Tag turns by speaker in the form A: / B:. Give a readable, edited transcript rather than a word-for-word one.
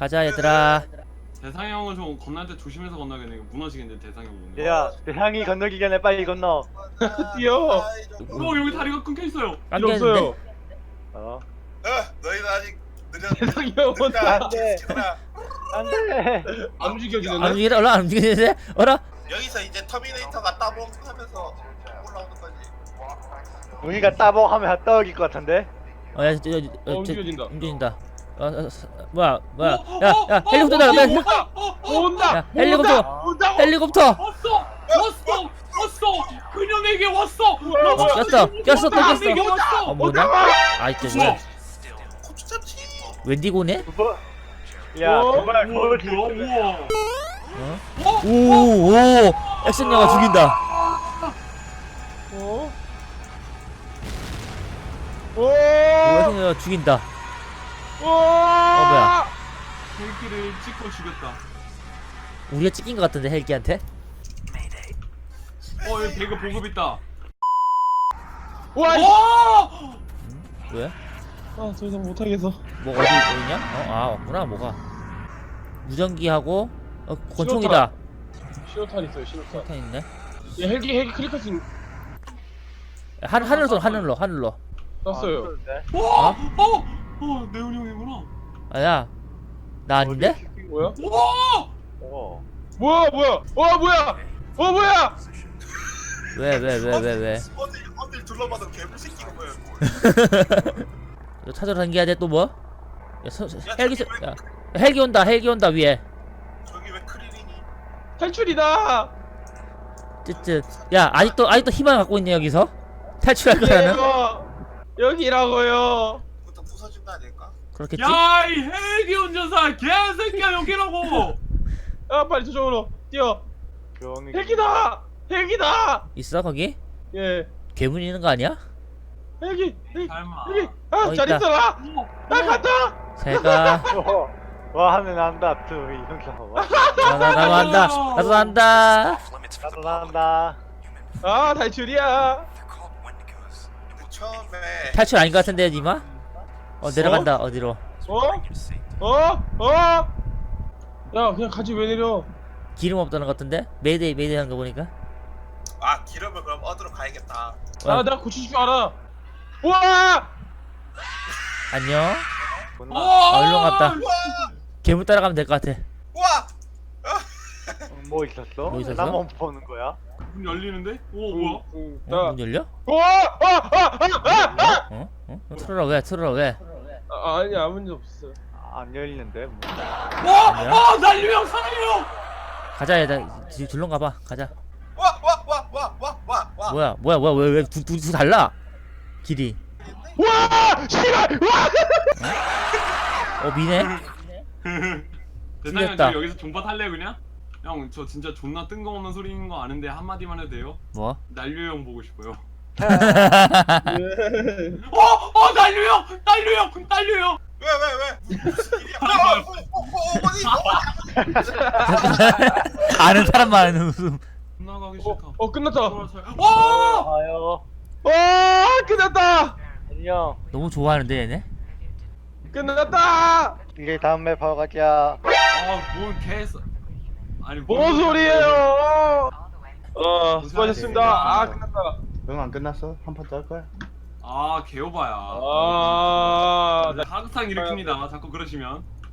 A: 가자 얘들아.
B: 대상이 형은 좀 건널 때 조심해서 건너겠네. 이거 무너지겠는데 대상이 형은.
C: 야, 대상이 건너기 전에 빨리 건너.
D: 뛰어.
B: 여기 다리가 끊겨 있어요.
D: 필요 없어요.
C: 어?
E: 너희는 아직 느려.
D: 대상이 형은
C: 안 돼. 안 돼.
D: 안
A: 안
D: 움직여지는데?
A: 움직이네. 얼라 안 움직이는데? 얼라?
E: 여기서 이제 터미네이터가 따봉하면서 올라오는 거지.
C: 우리가 따봉하면 떠오를 것 같은데.
A: 야,
D: 움직여진다.
A: 움직인다. 뭐야? 야, 헬리콥터 날아.
D: 온다.
A: 야, 헬리콥터.
D: 온다.
A: 헬리콥터.
B: 왔어. 그녀에게 왔어.
A: 꼈어. 또
B: 그녀에게
A: 꼈어.
B: 왔어.
A: 뭐냐? 진짜
B: 우와.
E: 고추 참치.
A: 웬디고네?
C: 뭐? 야, 정말
B: 우와,
C: 거울 들.
B: 우와.
A: 오, 액션 영화 죽인다.
D: 어?
A: 액션 영화 죽인다. 뭐야?
B: 헬기를 찍고 죽였다.
A: 우리가 찍힌 것 같은데 헬기한테?
B: 여기 배그 보급 있다.
D: 와.
B: 와!
A: 왜?
D: 더 이상 못하겠어.
A: 뭐 어디 있냐? 없구나 뭐가. 무전기하고 권총이다.
D: 신호탄 있어요. 신호탄.
A: 권총 있네.
D: 얘 헬기 클릭할 수 있는.
A: 하늘로.
D: 땄어요.
B: 와! 네온 형이구나.
A: 야, 나 아닌데?
D: 뭐야?
B: 와!
C: 어.
D: 뭐야? 뭐야?
A: 왜?
E: 어딜 둘러봐도 개불 새끼가 뭐야.
A: 너 찾으러 다니야 돼 또 뭐? 헬기 온다 위에.
E: 저기 왜 크릴이니?
D: 탈출이다.
A: 쯧쯧. 야, 아직도 희망 갖고 있네 여기서. 탈출할 거라는.
D: 여기라고요.
E: 그것도 부서진 거 아닐까?
A: 그렇겠지?
B: 야, 이 헬기 운전사 개새끼야 여기라고.
D: 빨리 저쪽으로 뛰어.
C: 조용히.
D: 헬기다.
A: 있어 거기?
D: 예.
A: 괴물 있는 거 아니야?
D: 헬기.
B: 설마.
D: 잘
A: 있다.
D: 있어라. 나 간다.
A: 제가
C: 와 하면 난다. 또 이동사 봐.
A: 나도 한다.
C: 나도 난다.
D: 탈출이야.
E: 근데 처음에
A: 탈출 아닌 것 같은데 니마? 내려간다 어디로?
D: 야, 그냥 같이 왜 내려?
A: 기름 없다는 것 같은데? 메이데이 하는 거 보니까.
E: 기름을 그럼 얻으러 가야겠다.
D: 나 고칠 줄 알아. 우와!
A: 안녕.
B: 와!
A: 일로 갔다. 괴물 따라가면 될 것 같아.
E: 와!
C: 뭐 있었어?
A: 뭐 있었어?
C: 나만 보는 거야?
B: 문 열리는데? 오 뭐야?
A: 문 열려?
D: 우와!
A: 틀어라 왜?
D: 아니 아무 일 없어.
C: 안 열리는데. 뭐.
B: 와! 난류형 살려!
A: 가자 얘들 줄론 가봐. 가자.
E: 와!
A: 뭐야 왜 둘이 달라? 길이.
D: 와! 씨발! 와!
A: 미네?
B: 대상이 형
A: 틀렸다.
B: 저 여기서 존버 탈래 그냥? 형 저 진짜 존나 뜬금없는 소리인 거 아는데 한마디만 해도 돼요?
A: 뭐?
B: 난류형 보고 싶어요.
D: 예.
B: 난류형!
E: 왜? 무슨 일이야? 어머니!
A: 아는 사람만 아는 웃음.
B: 나가기 싫다.
D: 끝났다.
B: 와!
C: 아요.
D: 와! 끝났다.
C: 안녕.
A: 너무 좋아하는데 얘네?
D: 끝났다.
C: 이제 다음 맵 하러 가자.
B: 뭔 개서. 아니
D: 뭔 소리예요? 수고하셨습니다. 끝났다.
F: 응, 안 끝났어? 한 판 더 할 거야?
B: 개오바야.
D: 아,
B: 항상 일으킵니다. 자꾸 그러시면.